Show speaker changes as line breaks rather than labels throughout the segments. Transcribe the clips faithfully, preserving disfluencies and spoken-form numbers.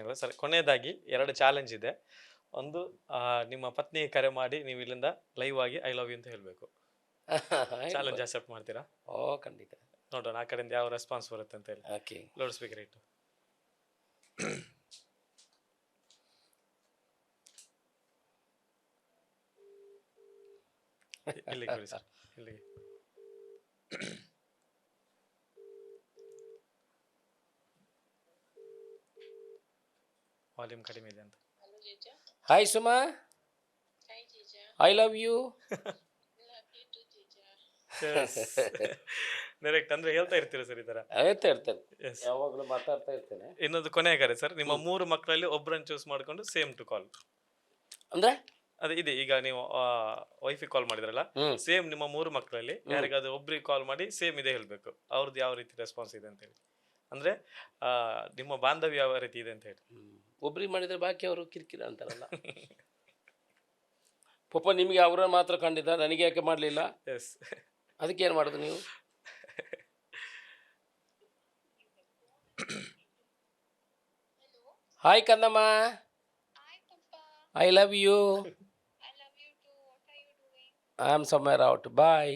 ಆಗಲ್ಲ ಸರ್. ಕೊನೆಯದಾಗಿ ಎರಡು ಚಾಲೆಂಜ್ ಇದೆ. ಒಂದು ಆ, ನಿಮ್ಮ ಪತ್ನಿ ಕರೆ ಮಾಡಿ ನೀವು ಇಲ್ಲಿಂದ ಲೈವ್ ಆಗಿ ಐ ಲವ್ ಯು ಅಂತ ಹೇಳ್ಬೇಕು. ಚಾಲೆಂಜ್ ಅಕ್ಸೆಪ್ಟ್ ಮಾಡ್ತೀರಾ?
ಓ ಖಂಡಿತ.
ನೋಡೋಣ ಆ ಕಡೆಯಿಂದ ಯಾವ ರೆಸ್ಪಾನ್ಸ್ ಬರುತ್ತೆ ಅಂತ ಹೇಳಿ.
ಓಕೆ.
ಲೌಡ್ ಸ್ಪೀಕರ್ ಇಟ್ಟು. ಇಲ್ಲಿಗೆ ಕೊಡಿ ಸರ್, ಇಲ್ಲಿಗೆ. ವಾಲ್ಯೂಮ್ ಕಡಿಮೆ ಇದೆ ಅಂತ.
Hi Suma, I love you.
Direct ಅಂದ್ರೆ ಹೇಳ್ತಾ ಇರ್ತೀರಾ ಸರ್ ಈ ತರ?
ಹೇಳ್ತಾ ಇರ್ತೇನೆ, ಯಾವಾಗಲೂ ಮಾತಾಡ್ತಾ ಇರ್ತೇನೆ.
ಇನ್ನೊಂದು ಕೊನೆಯ ಕರೆ ಸರ್, ನಿಮ್ಮ ಮೂರು ಮಕ್ಕಳಲ್ಲಿ ಒಬ್ಬರನ್ನು ಚೂಸ್ ಮಾಡ್ಕೊಂಡು ಸೇಮ್ ಟು ಕಾಲ್.
ಅಂದ್ರೆ
ಅದೇ ಇದೆ, ಈಗ ನೀವು ವೈಫಿಗೆ ಕಾಲ್ ಮಾಡಿದ್ರಲ್ಲ, ಸೇಮ್ ನಿಮ್ಮ ಮೂರು ಮಕ್ಕಳಲ್ಲಿ ಯಾರಿಗಾದ್ರೂ ಒಬ್ರಿಗೆ ಕಾಲ್ ಮಾಡಿ ಸೇಮ್ ಇದೆ ಹೇಳ್ಬೇಕು. ಅವ್ರದ್ದು ಯಾವ ರೀತಿ ರೆಸ್ಪಾನ್ಸ್ ಇದೆ ಅಂತ ಹೇಳಿ, ಅಂದ್ರೆ ಆ ನಿಮ್ಮ ಬಾಂಧವ್ಯ ಯಾವ ರೀತಿ ಇದೆ ಅಂತ ಹೇಳಿ.
ಒಬ್ರಿಗೆ ಮಾಡಿದ್ರೆ ಬಾಕಿ ಅವರು ಕಿರಿಕಿರಿ ಅಂತಾರಲ್ಲ. ಪಾಪ ನಿಮಗೆ ಅವರ ಮಾತ್ರ ಕಂಡಿದ್ದ, ನನಗೆ ಯಾಕೆ ಮಾಡಲಿಲ್ಲ?
ಎಸ್.
ಅದಕ್ಕೆ ಏನು ಮಾಡೋದು ನೀವು? ಹಾಯ್ ಕಂದಮ್ಮ, I love you. I am somewhere out, bye.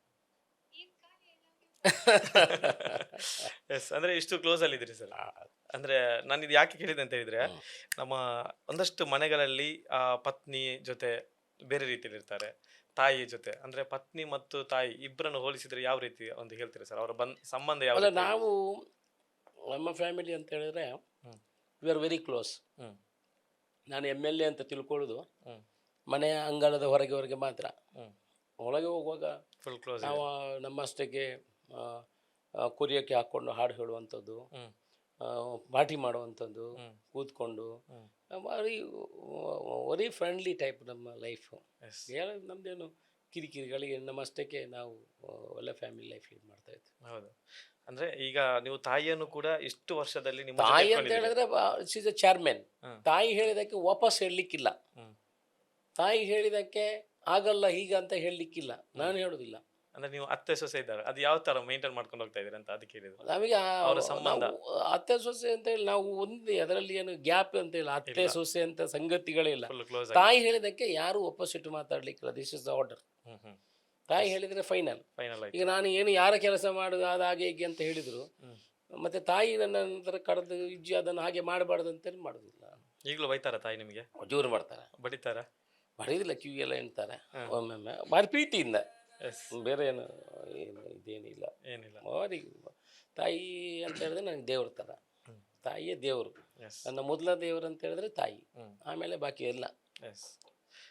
Yes, ಅಂದ್ರೆ ಇಷ್ಟು ಕ್ಲೋಸ್ ಅಲ್ಲಿ ಇದ್ರಿ ಸರ್. ಅಂದ್ರೆ ನಾನು ಇದು ಯಾಕೆ ಕೇಳಿದೆ ಅಂತ ಹೇಳಿದ್ರೆ, ನಮ್ಮ ಒಂದಷ್ಟು ಮನೆಗಳಲ್ಲಿ ಆ ಪತ್ನಿ ಜೊತೆ ಬೇರೆ ರೀತಿಯಲ್ಲಿ ಇರ್ತಾರೆ, ತಾಯಿ ಜೊತೆ ಅಂದ್ರೆ ಪತ್ನಿ ಮತ್ತು ತಾಯಿ ಇಬ್ಬರನ್ನು ಹೋಲಿಸಿದ್ರೆ ಯಾವ ರೀತಿ ಒಂದು ಹೇಳ್ತೀರಾ ಸರ್? ಅವರ ಬಂದ್ ಸಂಬಂಧ ಯಾವ
ಅಲ್ಲ,
ರೀತಿ?
ನಾವು ನಮ್ಮ ಫ್ಯಾಮಿಲಿ ಅಂತ ಹೇಳಿದ್ರೆ we are very close.
Hmm
ನಾನು ಎಮ್ ಎಲ್ ಎ ಅಂತ ತಿಳ್ಕೊಳ್ಳೋದು
ಹ್ಮ್
ಮನೆಯ ಅಂಗಳದ ಹೊರಗೆ ಹೊರಗೆ ಮಾತ್ರ.
ಹ್ಮ್
ಒಳಗೆ ಹೋಗುವಾಗ
ಫುಲ್ ಕ್ಲೋಸ್.
ನಾವು ನಮ್ಮಷ್ಟಕ್ಕೆ ಕುರಿಯಕ್ಕೆ ಹಾಕ್ಕೊಂಡು ಹಾಡು ಹೇಳುವಂಥದ್ದು,
ಹ್ಮ್
ಪಾರ್ಟಿ ಮಾಡುವಂಥದ್ದು,
ಹ್ಮ್
ಕೂತ್ಕೊಂಡು
hmm
very very friendly type ನಮ್ಮ ಲೈಫು.
ಎಸ್.
ನಮ್ಮದೇನು ಕಿರಿಕಿರಿಗಳಿಗೆ ನಮ್ಮಷ್ಟಕ್ಕೆ ನಾವು ಒಳ್ಳೆ ಫ್ಯಾಮಿಲಿ ಲೈಫ್ ಲೀಡ್ ಮಾಡ್ತಾ ಇದ್ವಿ.
ಹೌದು. ಅಂದ್ರೆ ಈಗ ನೀವು ತಾಯಿಯನ್ನು ಕೂಡ ಇಷ್ಟು ವರ್ಷದಲ್ಲಿ ನಿಮ್ಮ ಜೊತೆ
ತಾಯಿ ಅಂತ
ಇಟ್ಕೊಂಡಿದ್ದೀರಿ.
ಹೇಳಿದ್ರೆ ಶೀಸ್ ಎ ಚೇರ್ಮನ್.
ಹ್ಮ್.
ತಾಯಿ ಹೇಳಿದಕ್ಕೆ ವಾಪಸ್ ಹೇಳಲಿಕ್ಕಿಲ್ಲ.
ಹ್ಮ್.
ತಾಯಿ ಹೇಳಿದಕ್ಕೆ ಆಗಲ್ಲ ಹೀಗ ಅಂತ ಹೇಳಲಿಕ್ಕಿಲ್ಲ, ನಾನು ಹೇಳೋದಿಲ್ಲ.
ಅಂದ್ರೆ ನೀವು ಅತ್ತೆ ಸೊಸೆ ಇದ್ದಾರೆ, ಅದು ಯಾವ ತರ ಮೇಂಟೈನ್ ಮಾಡ್ಕೊಂಡು ಹೋಗ್ತಾ ಇದೀರಿ ಅಂತ ಅದಕ್ಕೆ ಹೇಳಿದ್ರು.
ನಮಗೆ
ಅವರ ಸಂಬಂಧ
ಅತ್ತೆ ಸೊಸೆ ಅಂತ ಹೇಳಿ ನಾವು ಒಂದೇ, ಅದರಲ್ಲಿ ಏನು ಗ್ಯಾಪ್ ಅಂತ ಹೇಳಿ ಅತ್ತೆ ಸೊಸೆ ಅಂತ ಸಂಗತಿಗಳೇ ಇಲ್ಲ.
Full close.
ತಾಯಿ ಹೇಳಿದಕ್ಕೆ ಯಾರು ಒಪ್ಪೋಸಿಟ್ ಮಾತಾಡ್ಲಿಕ್ಕಿಲ್ಲ. This is the order.
Hmm hmm
ತಾಯಿ ಹೇಳಿದ್ರೆ ಫೈನಲ್.
ಫೈನಲ್ ಆಯ್ತು.
ಈಗ ನಾನು ಏನು ಯಾರ ಕೆಲಸ ಮಾಡುದು ಅದು ಹಾಗೆ ಹೀಗೆ ಅಂತ ಹೇಳಿದ್ರು,
ಹ್ಮ್.
ಮತ್ತೆ ತಾಯಿ ನನ್ನ ನಂತರ ಕರೆದು ಇಜ್ಜಿ ಅದನ್ನು ಹಾಗೆ ಮಾಡಬಾರ್ದು ಅಂತೇಳಿ ಮಾಡೋದಿಲ್ಲ.
ಈಗಲೂ ಬೈತಾರ ತಾಯಿ ನಿಮಗೆ?
ಜೋರು ಮಾಡ್ತಾರೆ,
ಬಡಿತಾರ?
ಬಡಿಯೋದಿಲ್ಲ, ಕಿವಿ ಎಲ್ಲ ಎಣ್ತಾರೆ ಒಮ್ಮೊಮ್ಮೆ, ಭಾರಿ ಪ್ರೀತಿಯಿಂದ.
ಎಸ್.
ಬೇರೆ ಏನು ಏನು ಇದೇನಿಲ್ಲ.
ಏನಿಲ್ಲ.
ಭಾರಿ ತಾಯಿ ಅಂತ ಹೇಳಿದ್ರೆ ನನಗೆ ದೇವ್ರ ಥರ. ತಾಯಿಯೇ ದೇವರು.
ಎಸ್.
ನನ್ನ ಮೊದಲ ದೇವರು ಅಂತ ಹೇಳಿದ್ರೆ ತಾಯಿ,
ಹ್ಮ್
ಆಮೇಲೆ ಬಾಕಿ ಎಲ್ಲ.
ಎಸ್.